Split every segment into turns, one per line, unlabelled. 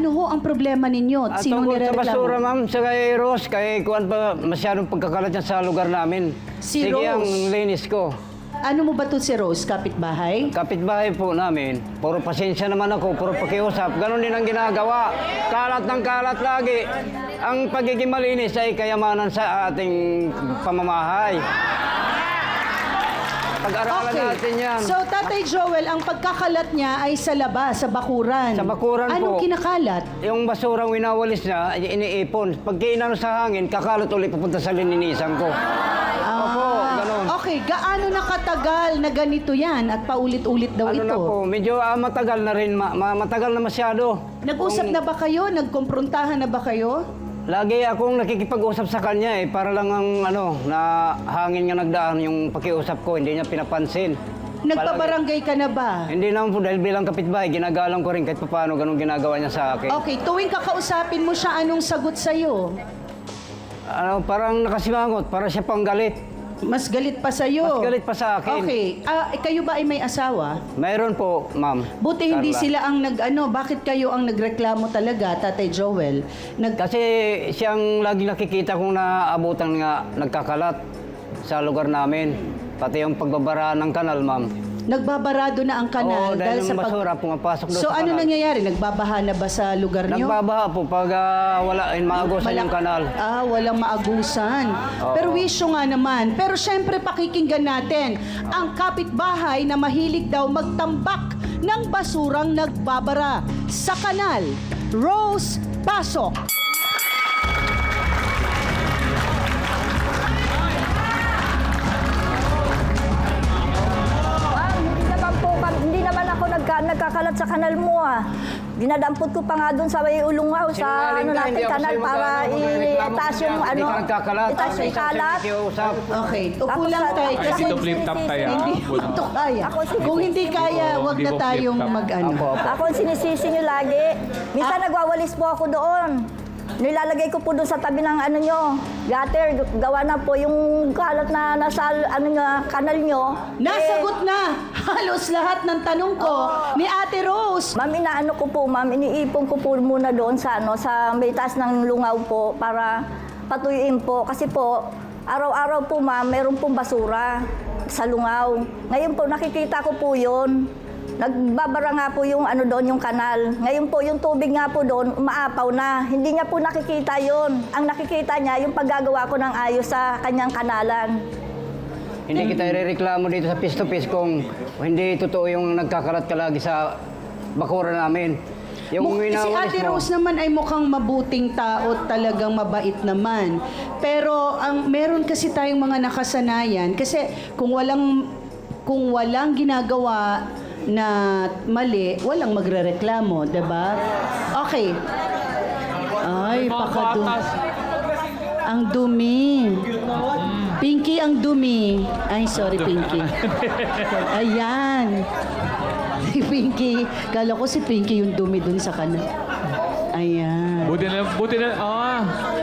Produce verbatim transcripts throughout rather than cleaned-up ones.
Ano ho ang problema ninyo?
At
Sino
tungkol sa
nirereklamo?
basura, ma'am, sa kay Rose, kay kuwan pa masyadong pagkakalat niya sa lugar namin.
Si
Sige, ang
Rose?
linis ko.
Ano mo ba to si Rose? Kapitbahay?
Kapitbahay po namin, puro pasensya naman ako, puro pakiusap. Ganon din ang ginagawa. Kalat ng kalat lagi. Ang pagiging malinis ay kayamanan sa ating pamamahay. Pag-aralan natin yan.
So, Tatay Joel, ang pagkakalat niya ay sa labas, sa bakuran.
Sa bakuran
Anong
po.
kinakalat?
Yung basurang winawalis niya, ay iniipon. Pag kinano sa hangin, kakalat ulit papunta sa lininisan ko. Opo, ganon.
Okay, gaano na katagal na ganito yan at paulit-ulit daw
Ano
ito?
na po, medyo ah, matagal na rin, ma- ma- matagal na masyado.
Nag-usap na ba kayo? Nagkomprontahan na ba kayo?
Lagi akong nakikipag-usap sa kanya eh, para lang ang ano, na hangin nga nagdaan yung pakiusap ko, hindi niya pinapansin.
Nagpabarangay ka na ba?
Hindi naman po, dahil bilang kapitbahay, ginagalang ko rin kahit paano ganun ginagawa niya sa akin.
Okay, tuwing kakausapin mo siya, anong sagot sa'yo?
Ano, parang nakasimangot, para siya pang galit.
Mas galit pa sa'yo?
Mas galit pa sa akin.
Okay, ah, eh, kayo ba ay may asawa?
Mayroon po, ma'am.
Buti hindi
Carla.
sila ang nag-ano, bakit kayo ang nagreklamo talaga, Tatay Joel? Nag
Kasi siyang lagi nakikita kong naaabutan nga nagkakalat sa lugar namin. Pati yung pagbabara ng kanal, ma'am.
Nagbabarado na ang kanal
Oo, dahil yung basura pumapasok doon
So
sa
ano
kanal.
nangyayari? Nagbabaha na ba sa lugar niyo?
Nagbabaha po pag ah, wala, in, maagusan
Malak-
yung kanal.
Ah, walang maagusan.
Oo.
Pero wisyo nga naman. Pero syempre pakikinggan natin ang kapitbahay na mahilig daw magtambak ng basurang nagbabara sa kanal. Rose, pasok!
Ma'am, hindi naman po, kam- hindi naman ako nagka, nagkakalat sa kanal mo ah. Dinadampot ko pa nga doon sa may ulungaw, sa
Sinungaling
ano
ka,
natin
hindi ako
kanal
sa'yo
para
mag-ano, magreklamo
itaas
ka
yung
niya.
ano,
Hindi ka nagkakalat.
itaas yung kalat.
Nakikiusap.
Okay, upo
Tapos
lang
sa-
tayo.
kasi
Kasi
Dito flip top tayo.
hindi
ah.
mo ito kaya.
Ako si-
Kung hindi kaya, wag
Hindi
na
mo
tayong
flip top.
mag-ano.
Apo, apo.
Ako ang sinisisi nyo lagi. Minsan nagwawalis po ako doon. Nilalagay ko po doon sa tabi ng ano nyo, gutter, gawa na po yung kalat na nasa ano nyo, kanal nyo.
Nasagot na halos lahat ng tanong ko ni Ate Rose.
Ma'am, inaano ko po, ma'am, iniipon ko po muna doon sa ano, sa may taas ng lungaw po para patuyuin po. Kasi po, araw-araw po, ma'am, meron pong basura sa lungaw. Ngayon po, nakikita ko po yun. Nagbabara nga po yung ano doon, yung kanal. Ngayon po, yung tubig nga po doon, umaapaw na. Hindi niya po nakikita yun. Ang nakikita niya, yung paggagawa ko ng ayos sa kanyang kanalan.
Hindi kita irereklamo dito sa piece to piece kung hindi totoo yung nagkakalat ka lagi sa bakuran namin. Yung
Mu- si
winawalis
Ate
mo,
Rose naman ay mukhang mabuting tao, talagang mabait naman. Pero ang meron kasi tayong mga nakasanayan kasi kung walang kung walang ginagawa na mali, walang magrereklamo, 'di ba? Okay. Ay, pakadum. Ang dumi. Pinky ang dumi. Ay, sorry Pinky. Ayan. Si Pinky. Kala ko si Pinky yung dumi dun sa kanan. Ayan.
Buti na, buti na, ah.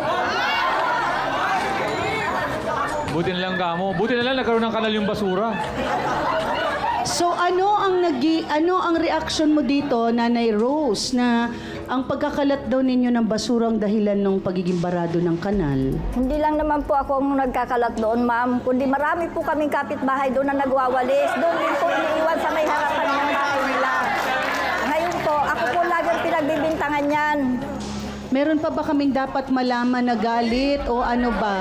Buti na lang kamo. Buti na lang nagkaroon ng kanal yung basura.
So ano ang nagi ano ang reaction mo dito, Nanay Rose, na ang pagkakalat daw ninyo ng basurang dahilan ng pagiging barado ng kanal?
Hindi lang naman po ako ang nagkakalat doon, ma'am. Kundi marami po kaming kapitbahay doon na nagwawalis. Doon din po iniiwan sa may harapan ng bahay nila. Ngayon po, ako po lagi pinagbibintangan yan.
Meron pa ba kaming dapat malaman na galit o ano ba?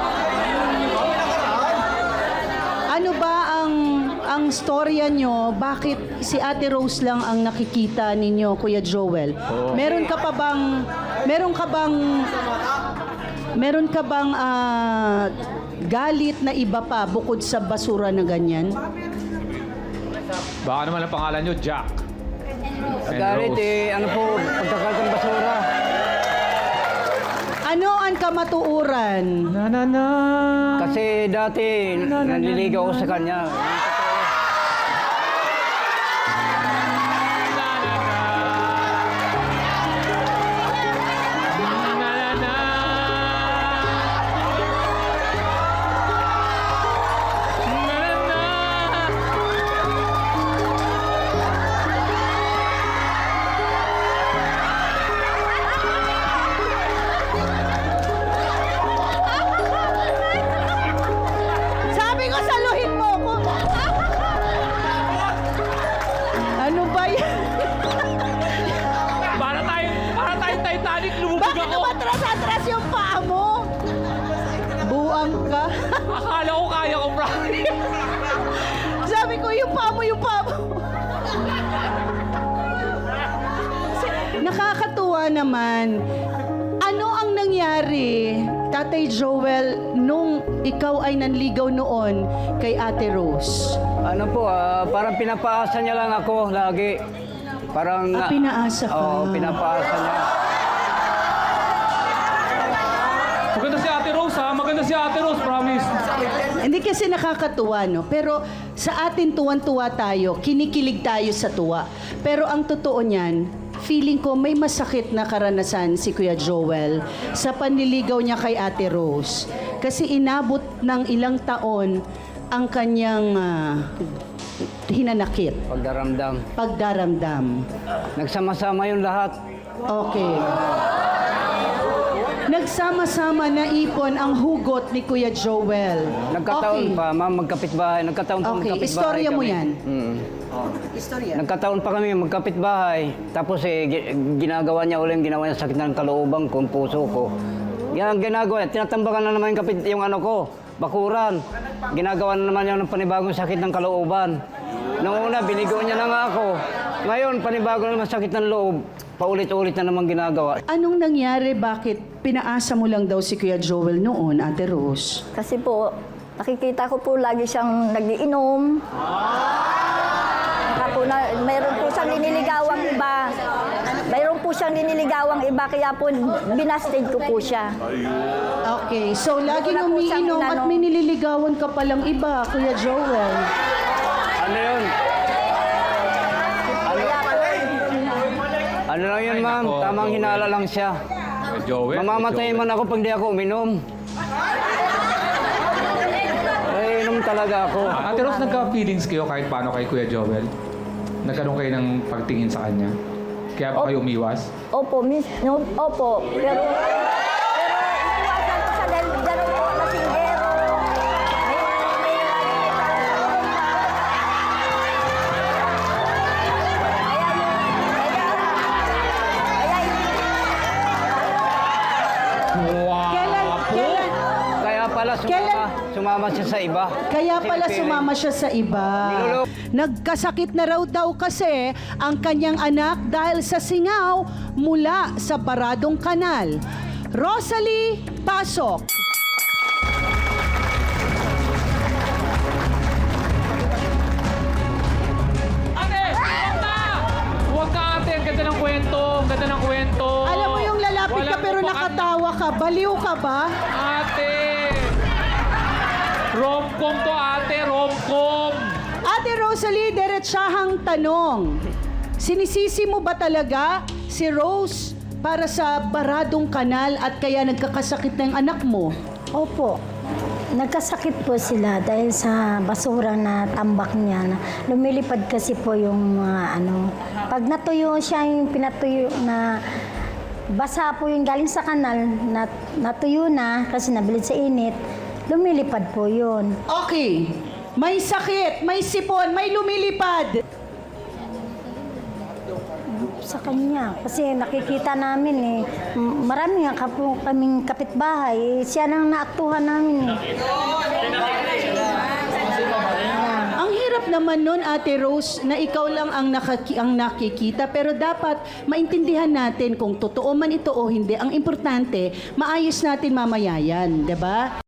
Ano ba ang ang storya nyo? Bakit si Ate Rose lang ang nakikita ninyo, Kuya Joel? Meron ka pa bang meron ka bang meron ka bang ah, galit na iba pa bukod sa basura na ganyan?
Baka naman ang pangalan nyo, Jack. And
galit
Rose.
eh, ano po, pagkakalat ng basura.
Ano ang kamatuuran?
Na na na.
Kasi dati, nanliligaw ako sa kanya.
Na na na. Na na na.
atras-atras yung paa mo. Buang ka.
Akala ko kaya ko, promise.
Sabi ko, yung paa mo, yung paa mo. Nakakatuwa naman. Ano ang nangyari, Tatay Joel, nung ikaw ay nanligaw noon kay Ate Rose?
Ano po, ah, parang pinapaasa niya lang ako lagi. Parang...
Ah, pinaasa ka.
Oo, pinapaasa niya.
Maganda si Ate Rose, ha? Maganda si Ate Rose, promise.
Hindi kasi nakakatuwa, no? Pero sa atin tuwan-tuwa tayo, kinikilig tayo sa tuwa. Pero ang totoo niyan, feeling ko may masakit na karanasan si Kuya Joel sa panliligaw niya kay Ate Rose. Kasi inabot ng ilang taon ang kanyang ah, hinanakit,
Pagdaramdam.
pagdaramdam.
Nagsama-sama yung lahat.
Okay. Nagsama-sama na ipon ang hugot ni Kuya Joel.
Nagkataon
Okay.
pa, ma'am, magkapit-bahay. Nagkataon pa
Okay,
magkapit-bahay
istorya mo
kami.
yan.
Mm.
Istorya.
Nagkataon pa kami magkapit-bahay. Tapos eh, gi- ginagawa niya ulit yung ginawa niya sakit ng kalooban ko, puso ko. Yan ang ginagawa niya. Tinatambakan na naman yung, kapit, yung ano ko, bakuran. Ginagawa na naman niya ng panibagong sakit ng kalooban. Noong una, binigo niya na nga ako. Ngayon, panibago na naman sakit ng loob. Paulit-ulit na naman ginagawa.
Anong nangyari? Bakit pinaasa mo lang daw si Kuya Joel noon, Ate Rose?
Kasi po, nakikita ko po lagi siyang nagiinom. Saka po na, mayroon po siyang linililigawang iba. Mayroon po siyang linililigawang iba, kaya po binasted ko po siya.
Okay, so laging
Wala po siyang
umiinom at
inano.
may nililigawan ka palang iba, Kuya Joel.
Ano yun?
Kaya po,
Ano lang yun, ma'am?
nako,
Tamang
Joel.
hinala lang siya.
Joel.
Mamamatay
Joel.
man ako pag di ako uminom. Eh, inom talaga ako.
Ate Rose, nagka-feelings kayo kahit paano kay Kuya Joel? Nagkaroon kayo ng pagtingin sa kanya? Kaya ba kayo umiwas?
opo, miss, no, opo, pero, pero iwasan ko siya dahil ganun po, lasinggero. May, may,
Wow!
Kailan, kailan,
Kaya pala sumama,
Kailan-
sumama siya sa iba.
kaya
Kasi
pala
feeling-
sumama siya sa iba.
Niloloko.
Nagkasakit na raw daw kasi ang kanyang anak dahil sa singaw mula sa baradong kanal. Rosalie, pasok.
Ate! Huwag ka! Huwag ka, ate! Ang ganda ng kwento! Ang ganda ng kwento!
Alam mo yung lalapit ka
Walang
pero
upakan-
nakatawa ka. Baliw ka ba?
Ate! Romcom to, ate! Romcom!
Ate Rosalie, diretsahang tanong. Sinisisi mo ba talaga si Rose para sa baradong kanal at kaya nagkakasakit ng anak mo?
Opo. Nagkasakit po sila dahil sa basura na tambak niya. Na lumilipad kasi po yung mga ano. Pag natuyo siya, yung pinatuyo na basa po yung galing sa kanal, na, natuyo na kasi nabilid sa init, lumilipad po yun.
Okay. May sakit, may sipon, may lumilipad.
Sa kanya. Kasi nakikita namin eh, m- marami nga kapo, kaming kapitbahay, eh, siya nang naaktuhan namin eh.
Ang hirap naman nun, Ate Rose, na ikaw lang ang, nakaki- ang nakikita. Pero dapat maintindihan natin kung totoo man ito o hindi. Ang importante, maayos natin mamaya yan, di ba?